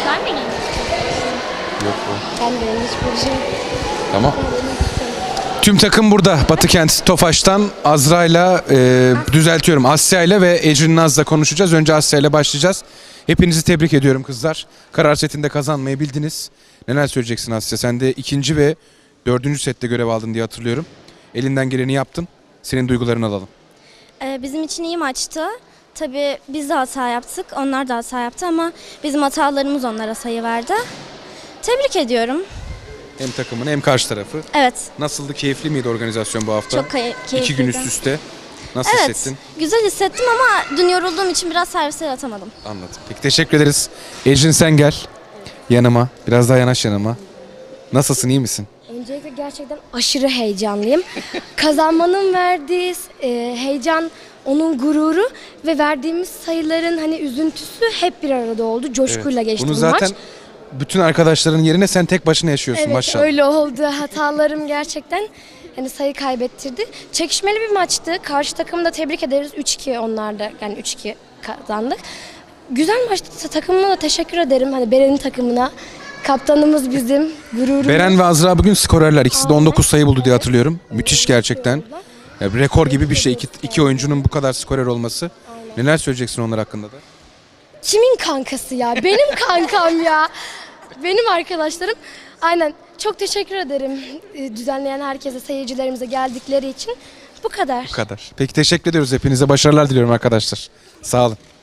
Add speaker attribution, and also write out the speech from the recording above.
Speaker 1: Sen de giymek istiyorsun.
Speaker 2: Yok bu.
Speaker 3: Ben de hiçbir şey.
Speaker 2: Tamam. Tüm takım burada. Batıkent Tofaş'tan Azra'yla düzeltiyorum. Asya'yla ve Ecrin Naz'la konuşacağız. Önce Asya'yla başlayacağız. Hepinizi tebrik ediyorum kızlar. Karar setinde kazanmayı bildiniz. Neler söyleyeceksin Asya? Sen de ikinci ve dördüncü sette görev aldın diye hatırlıyorum. Elinden geleni yaptın. Senin duygularını alalım.
Speaker 4: Bizim için iyi maçtı. Tabii biz de hata yaptık, onlar da hata yaptı ama bizim hatalarımız onlara sayı verdi. Tebrik ediyorum.
Speaker 2: Hem takımını hem karşı tarafı.
Speaker 4: Evet,
Speaker 2: Nasıldı? Keyifli miydi organizasyon bu hafta?
Speaker 4: çok keyifliydi.
Speaker 2: 2 gün üst üste. Nasıl
Speaker 4: Evet,
Speaker 2: hissettin?
Speaker 4: güzel hissettim ama dün yorulduğum için biraz servisler atamadım.
Speaker 2: Anladım. Peki teşekkür ederiz. Ecrin sen gel yanıma. Biraz daha yanaş yanıma. Nasılsın? İyi misin?
Speaker 3: Öncelikle gerçekten aşırı heyecanlıyım. Kazanmanın verdiği heyecan, onun gururu ve verdiğimiz sayıların hani üzüntüsü hep bir arada oldu. Coşkuyla geçti
Speaker 2: Bunu
Speaker 3: bu
Speaker 2: zaten
Speaker 3: maç.
Speaker 2: bütün arkadaşların yerine sen tek başına yaşıyorsun
Speaker 3: Evet,
Speaker 2: maşallah.
Speaker 3: öyle oldu. Hatalarım gerçekten hani sayı kaybettirdi. Çekişmeli bir maçtı. Karşı takımı da tebrik ederiz. 3-2 onlar da, yani 3-2 kazandık. Güzel maçtı. Takımıma da teşekkür ederim. Hani Beren'in takımına. Kaptanımız bizim, gururumuz.
Speaker 2: Beren ve Azra bugün skorerler. İkisi de 19 sayı buldu diye hatırlıyorum. Müthiş gerçekten. Ya, bir rekor gibi bir şey. İki oyuncunun bu kadar skorer olması. Neler söyleyeceksin onlar hakkında da?
Speaker 3: Kimin kankası ya? Benim kankam ya. Benim arkadaşlarım. Aynen. Çok teşekkür ederim düzenleyen herkese, seyircilerimize geldikleri için. Bu kadar.
Speaker 2: Bu kadar. Peki teşekkür ediyoruz hepinize. Başarılar diliyorum arkadaşlar. Sağ olun.